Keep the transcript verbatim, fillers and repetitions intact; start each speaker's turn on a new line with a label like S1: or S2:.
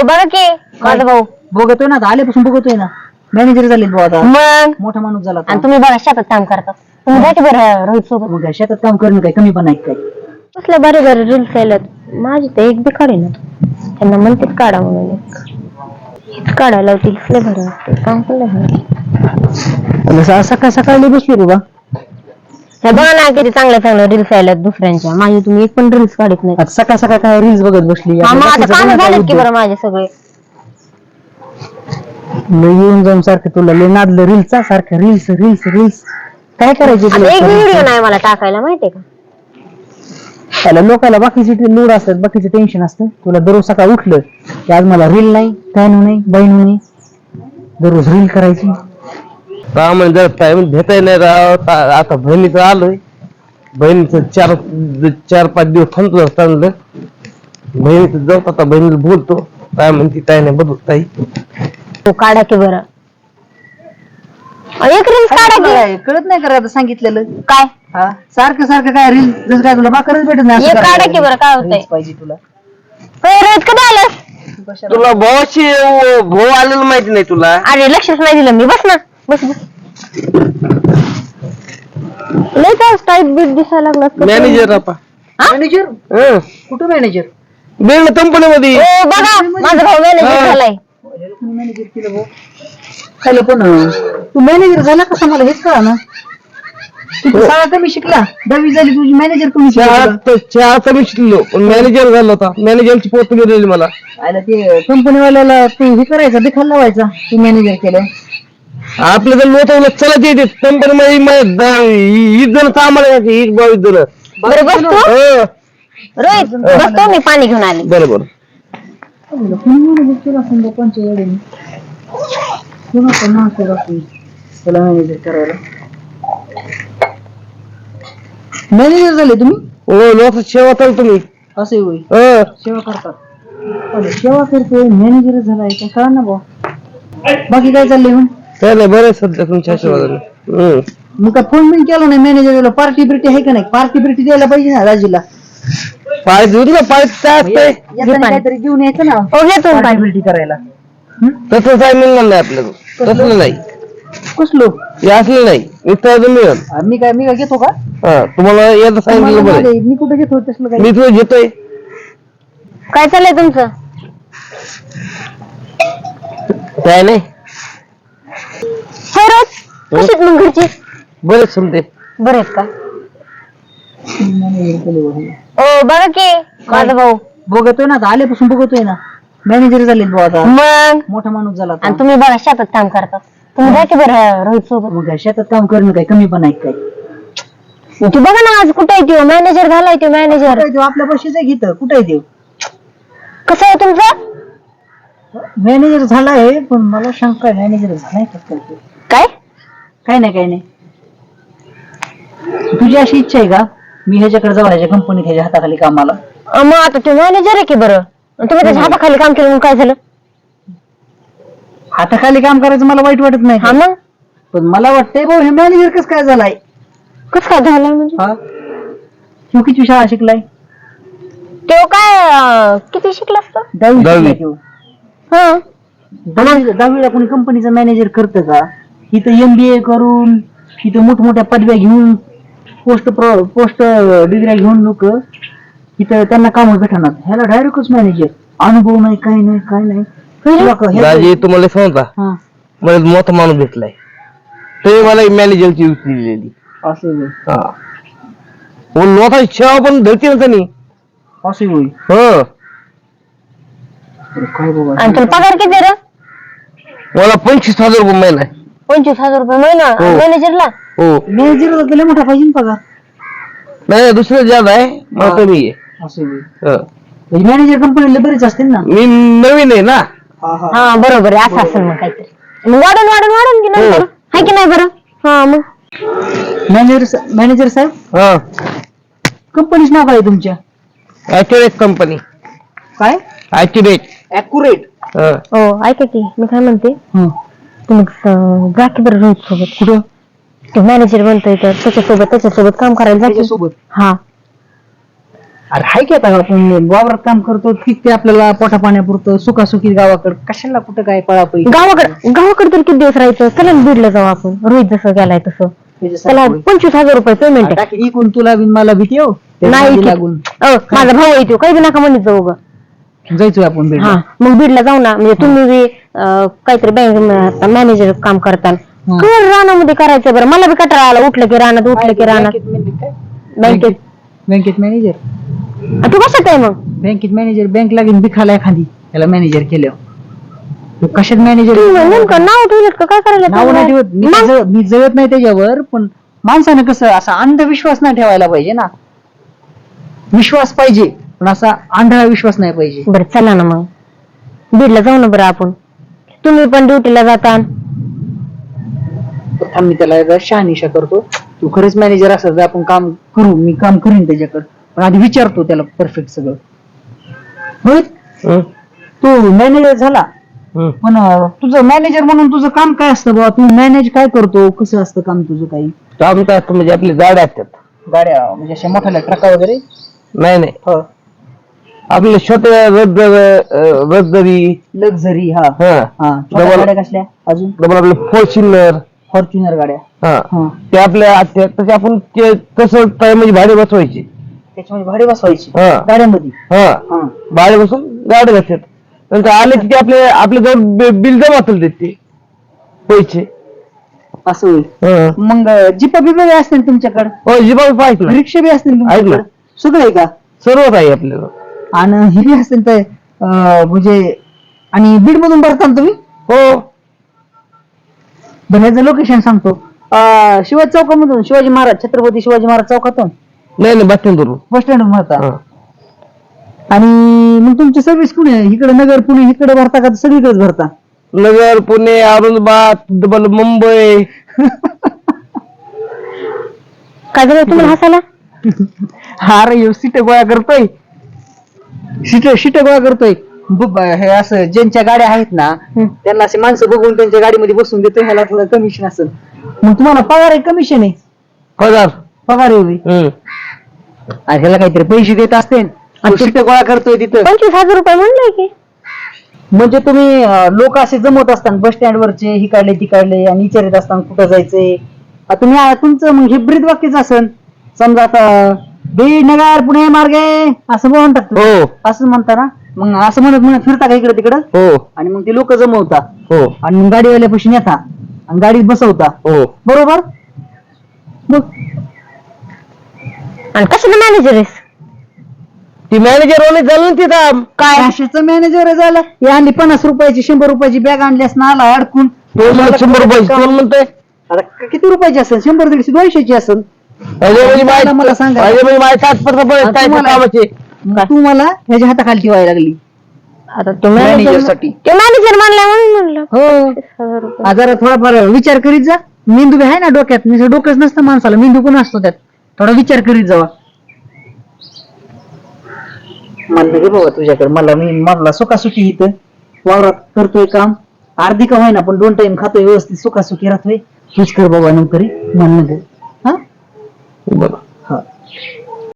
S1: बघा की माझा भाऊ
S2: बघतोय ना, आल्यापासून बघतोय ना, मॅनेजर झाले भाऊ आता,
S1: मग
S2: मोठा माणूस झाला.
S1: आणि तुम्ही बघा शेतात काम करतात, तुम्ही भेट बरं रोहित सोबत.
S2: मग काय शेतात काम करणं काय कमी पण आहे काय?
S1: कसल्या बरे बरे रील्स आल्यात, माझी तर एक बी काढे ना, त्यांना म्हणतेच काढा म्हणून, हेच काढायला लावतील. कसले बरं वाटते काम, केलं
S2: सकाळ सकाळी बसली रे बा.
S1: हे बघा ना किती चांगल्या चांगल्या रील्स आल्यात दुसऱ्यांच्या, माझी तुम्ही एक पण रील्स काढत नाही.
S2: सकाळ सकाळ काय रील्स बघत बसली?
S1: हा मग आता काम झालेत की बरं माझे सगळे.
S2: येऊन जाऊन सारखं तुला लय नादलं रील्सचा, सारखं रील्स रील्स रील्स काय करायचे?
S1: एक व्हिडिओ नाही मला टाकायला माहितीये का?
S2: त्याला लोकांना बाकीचे लोड असतात, बाकीचे टेन्शन असतं. तुला दररोज सकाळ उठलं की आज मला रील नाही, फॅन नाही, बहीण नाही, दररोज रील करायची.
S3: म्हणजे टाइम भेटाय नाही राव. आता बहिणीचं आलोय, बहिणीचं चार चार पाच दिवस थांबतो चांगलं. बहिणीचं जाऊ आता, बहिणीला बोलतो काय म्हणते काय नाही बघू ताई.
S1: तो काढा की बरं, एक रील्स काढा की.
S2: कळत नाही करा सांगितलेलं
S1: काय
S2: हा सारखं सारखं काय रील जसं काय तुला बाकरच भेटत नाही.
S1: एक काढा की बरं, काय होतंय
S2: पाहिजे तुला.
S1: रोहित कधी आलास?
S3: तुला भावाशी भाऊ आलेलं माहिती नाही तुला?
S1: अरे लक्षच नाही दिलं मी. बस ना, बस बस. लय काय टाईट बीट दिसायला लागला.
S3: मॅनेजर आपा.
S2: मॅनेजर?
S3: हं.
S2: कुठं मॅनेजर?
S3: बिल्ड कंपनी मध्ये.
S1: ओ बघा माझा भाऊ मॅनेजर झालाय.
S2: मॅनेजर केलं भाऊ. काय पण तू मॅनेजर झाला कसा मला हेच कळा ना. तू शाळा कमी शिकला, दहावी झाली तुझी, मॅनेजर कमी शिकला.
S3: चहा कमी शिकलो पण मॅनेजर झाला होता. मॅनेजरची पोस्ट मिळाली मला.
S2: आयला ते कंपनीवाल्याला तू हे करायचा, दिखायला लावायचा तू मॅनेजर केलं.
S3: आपल्या जर लोक चलत येते कंपनी मध्ये वीस जण कामाला यायचे, वीस बावीस जण.
S1: बरं बसतो रोहित, बसतो मी पाणी घेऊन आले.
S3: बरोबर.
S2: मॅनेजर करायला मॅनेजर झाले तुम्ही?
S3: हो, लोक सेवा करतो तुम्ही.
S2: असे होय,
S3: हं.
S2: सेवा करतात. सेवा करतोय मॅनेजर झालाय काय कळा ना भाऊ. बाकी काय चाललंय मग?
S3: काय नाही, बरं सध्या तुमच्या आशीर्वादाने.
S2: मग काय फोन बिन केला नाही मॅनेजरला? पार्टी बिर्टी आहे का नाही? पार्टी बिर्टी द्यायला पाहिजे ना राजीला.
S3: पाय देऊ ना, पाय काय असतंय
S2: काहीतरी घेऊन यायचं ना पार्टी बिर्टी करायला.
S3: तसं काय मिळणार नाही आपल्याला, तसलं नाही.
S2: कसलो
S3: हे असलं नाही, इथं मिळेल.
S2: मी काय मी काय घेतो का?
S3: हा, तुम्हाला एकदा सांगितलं बरं.
S2: मी कुठे घेतो तसलं काय?
S3: मी तुला घेतोय.
S1: काय चाललंय तुमचं?
S3: काय नाही.
S1: हो रोज कशीच मग घरची?
S3: बरेच समजे.
S1: बरे आहेत का? ओ बघा की माझा भाऊ.
S2: बघतोय ना, आल्यापासून बघतोय ना, मॅनेजर झाले भाऊ आता,
S1: मग
S2: मोठा माणूस झाला.
S1: आणि तुम्ही बघा शेतात काम करतात, तुम्ही भेट बरं रोहित सोबत.
S2: मग काय शेतात काम करणं काय कमी पण आहे काय?
S1: तू बघा ना आज कुठे आहे तो मॅनेजर झालाय. तो मॅनेजर
S2: आपल्या पैशाच घेत कुठे आहे?
S1: कसं आहे तुमचं?
S2: मॅनेजर झालाय, पण मला शंका आहे मॅनेजर झालाय का?
S1: काय
S2: काय नाही काय नाही. तुझी अशी इच्छा आहे का मी ह्याच्याकडे जाऊ, ह्याच्या कंपनीत ह्याच्या हाताखाली कामाला?
S1: मग आता तो मॅनेजर आहे की बरं, तुम्ही त्याच्या हाताखाली काम केलं मग काय झालं?
S2: हाताखाली काम करायचं मला वाईट वाटत नाही.
S1: हा मग
S2: पण मला वाटतंय भाऊ हे मॅनेजर कसं काय झालाय?
S1: कसं काय झालं म्हणजे?
S2: हा, तू किती शाळा शिकलाय?
S1: तो काय किती शिकला असतो?
S2: दहावी शिकलाय तो.
S1: हा,
S2: दहावी दहावीला कोणी कंपनीचा मॅनेजर करतं का? इथं एमबीए करून, इथं मोठमोठ्या पदव्या घेऊन, पोस्ट पोस्ट डिग्र्या घेऊन लोक इथं त्यांना काम भेटणार. ह्याला डायरेक्टच मॅनेजर, अनुभव नाही, काही नाही, काय नाही.
S3: दाजी तुम्हाला सांगता,
S2: हा
S3: मला मोठा माणूस भेटलाय, ते मला मॅनेजरची युक्ती दिलेली.
S2: असं
S3: हा, मोठा सेवा पण धरते ना त्यांनी.
S2: असं होईल.
S3: हो,
S2: काय बाबा.
S1: आणि तुला पगार किती रे?
S3: मला पंचवीस हजार रुपये महिना आहे.
S1: पंचवीस हजार रुपये महिना मॅनेजरला?
S3: हो,
S2: मॅनेजरला तुला मोठा पाहिजे ना पगार?
S3: नाही दुसरं जास्त आहे, मला कमी आहे.
S2: असं होईल. मॅनेजर कंपनीला बरेच असतील ना?
S3: मी नवीन आहे ना.
S1: हा बरोबर आहे, असं असेल मग काहीतरी. मग वाढून वाढून वाढून की नंतर आहे की नाही बरं? हा मग
S2: मॅनेजर मॅनेजर साहेब,
S3: हा,
S2: कंपनीच नाव काय आहे तुमच्या?
S3: Accurate company.
S2: काय?
S3: ॲक्युरेट.
S2: ॲक्युरेट.
S1: हो ऐका की मी काय म्हणते, तुम्ही जा की बरं रोहित सोबत.
S2: कुठं?
S1: तो मॅनेजर बनतोय तर त्याच्यासोबत त्याच्यासोबत काम करायला जायचं
S2: सोबत.
S1: हा,
S2: अरे हाय की आता आपण वावरात काम करतो ठीक ते आपल्याला पोटा पाण्यापुरतं सुखासुखी गावाकडे कशाला कुठं काय पळापळी
S1: गावाकडे गावाकडे तर किती दिवस राहायचं, चला ना बीडला जाऊ आपण. रोहित जसं गेलाय तसं त्याला पंचवीस हजार रुपये पेमेंट आहे.
S2: टाकी इकून तुला बिन मला भीती हो
S1: नाही की-
S2: लागून
S1: अ, माझा भाऊ येतो काही बी नका म्हणत जाऊ ग.
S2: जायचोय आपण बीडला.
S1: हा मग बीडला जाऊ ना. म्हणजे तुम्ही बी अं, काहीतरी बँक मॅनेजर काम करताल.
S2: हा.
S1: कर रानामध्ये करायचं बरं. मला बी कटाळा आला, उठलं की रानात उठलं की रानात.
S2: बँकेत म्हणजे काय?
S1: बँकेत
S2: बँकेत मॅनेजर
S1: आ, तू कशात आहे मग?
S2: बँकेत मॅनेजर बँक लागेल बिखाला एखादी त्याला मॅनेजर केल्यावर कशात मॅनेजर
S1: तू नेमकं नाव ठेवलं का काय करायला
S2: नाव नाही ठेवत मी
S1: मग?
S2: जळ- मी जळत नाही त्याच्यावर पण माणसानं कसं असा अंधविश्वास नाही ठेवायला पाहिजे ना. विश्वास पाहिजे पण असा आंधळा विश्वास नाही पाहिजे.
S1: बरं चला ना मग बीडला जाऊ ना बरं आपण. तुम्ही पण ड्युटीला जाता.
S2: थांब मी त्याला एकदा शहानिशा करतो. तू खरंच मॅनेजर असेल तर आपण काम करू, मी काम करीन त्याच्याकडे पण आधी विचारतो त्याला परफेक्ट सगळं. रोहित
S3: हं?
S2: तू मॅनेजर झाला
S3: हं.
S2: पण अं, तुझं मॅनेजर म्हणून तुझं काम काय असतं बाबा? तू मॅनेज काय करतो, कसं असतं काम तुझं? काही
S3: काम काय असतं म्हणजे आपली गाड्या असतात.
S2: गाड्या म्हणजे अशा मोठ्या ट्रका वगैरे?
S3: नाही नाही
S2: हो
S3: आपले छोटे रद्द रद्दरी
S2: लक्झरी. हा
S3: हा
S2: हा छोट्या
S3: डबल
S2: गाड्या कसल्या अजून?
S3: डबल आपले फॉर्च्युनर
S2: फॉर्च्युनर गाड्या.
S3: हा
S2: हा
S3: ते आपल्या असतात तसे आपण ते तसं काय म्हणजे भाडे बसवायचे.
S2: त्याच्यामध्ये भाडे बसवायची
S3: हा.
S2: गाड्यामध्ये?
S3: हा
S2: हा
S3: भाडे बसून गाड्या असतात. नंतर आले की ते आपले आपल्या जवळ बिल जमा असेल ते पैसे.
S2: असं होईल.
S3: हा.
S2: मग जिपा बिपा बी असतील तुमच्याकडे?
S3: हो जिबा पाहिजे ना
S2: रिक्षा बी असतील तुमच्याकडे? सगळं आहे का?
S3: सर्वच आहे आपल्याला.
S2: आणि हे बी असतील तर अं, म्हणजे आणि बीड मधून भरता ना तुम्ही?
S3: हो
S2: भरण्याचं लोकेशन सांगतो. अं, शिवाजी चौकामधून, शिवाजी महाराज छत्रपती शिवाजी महाराज चौकातून
S3: नाही नाही बसतील
S2: बस स्टँड भरता.
S3: हा
S2: आणि मग तुमची सर्व्हिस कुठे? इकडे नगर पुणे इकडे भरता का सगळीकडेच भरता?
S3: नगर पुणे औरंगाबाद डबल मुंबई.
S1: काय झालं तुम्हाला हसायला?
S2: हा रे सीट गोळा करतोय. सीट सीट गोळा करतोय. ब- ब- हे असं ज्यांच्या गाड्या आहेत ना
S1: हं.
S2: त्यांना असे माणसं बघून त्यांच्या गाडीमध्ये बसून देतो. ह्याला थोडं कमिशन असेल. मग तुम्हाला पगार आहे कमिशन आहे?
S3: पगार.
S2: पगार आहे होय.
S3: हम्म.
S2: आणि ह्याला काहीतरी पैसे देत असते आणि सीट गोळा करतोय तिथं.
S1: पंचवीस हजार रुपये म्हणलंय की.
S2: म्हणजे तुम्ही लोक असे जमवत असताना बस स्टँड वरचे ही काढले ती काढले आणि विचारित असताना कुठं जायचंय. आता तुम्ही आ- तुमचं मग हे ब्रीद वाक्यच असेल. समजा आता बीड नगर पुणे मार्गे असं म्हणून टाकतो.
S3: हो
S2: असं म्हणता ना. मग असं म्हणत म्हणत फिरता का इकडे तिकडं
S3: हो
S2: आणि मग ते लोक जमवता
S3: हो
S2: आणि मग गाडीवाल्यापाशी नेता आणि गाडीत बसवता.
S3: हो
S2: बरोबर? मग
S1: आणि कशाला मॅनेजर आहेस?
S3: ती मॅनेजर वाले झालं ना तिथं
S1: काय
S2: कशाचं मॅनेजर झालं? हे आणली पन्नास रुपयाची शंभर रुपयाची बॅग आणली असं आला अडकून.
S3: तो मला शंभर रुपये कोण म्हणतोय.
S2: आता क- किती रुपयाची असेल? शंभर दीडशे दोनशेची असेल.
S3: अरे म्हणजे
S2: मला
S3: माहिती
S2: सांगा.
S3: अरे म्हणजे माझ्या तात्पर्य पण
S2: आणि
S3: काय ते
S2: तुम्हाला-
S3: कामाचे.
S2: मग तू मला ह्याच्या हाताखाली ठेवायला लागली
S1: आता तो मॅनेजर
S2: मॅनेजरसाठी.
S1: ते मॅनेजर म्हणलाय म्हणून म्हणलं.
S2: हो.
S1: हजार रुपये.
S2: आ, जरा थोडाफार विचार करीत जा. मेंदू बी आहे ना डोक्यात. नुसतं डोकंच नसतं माणसाला, मेंदू पण असतो त्यात. थोडा विचार करीत जावा. म्हणलं गे बाबा तुझ्याकडे मला मी म्हणला सुखासुखी इथं वावरात करतोय काम. अर्धी का होईना पण दोन टाइम खातोय व्यवस्थित सुखासुखी राहतोय. तूच कर बाबा नोकरी म्हणलं गे. हा
S3: बरं
S2: हा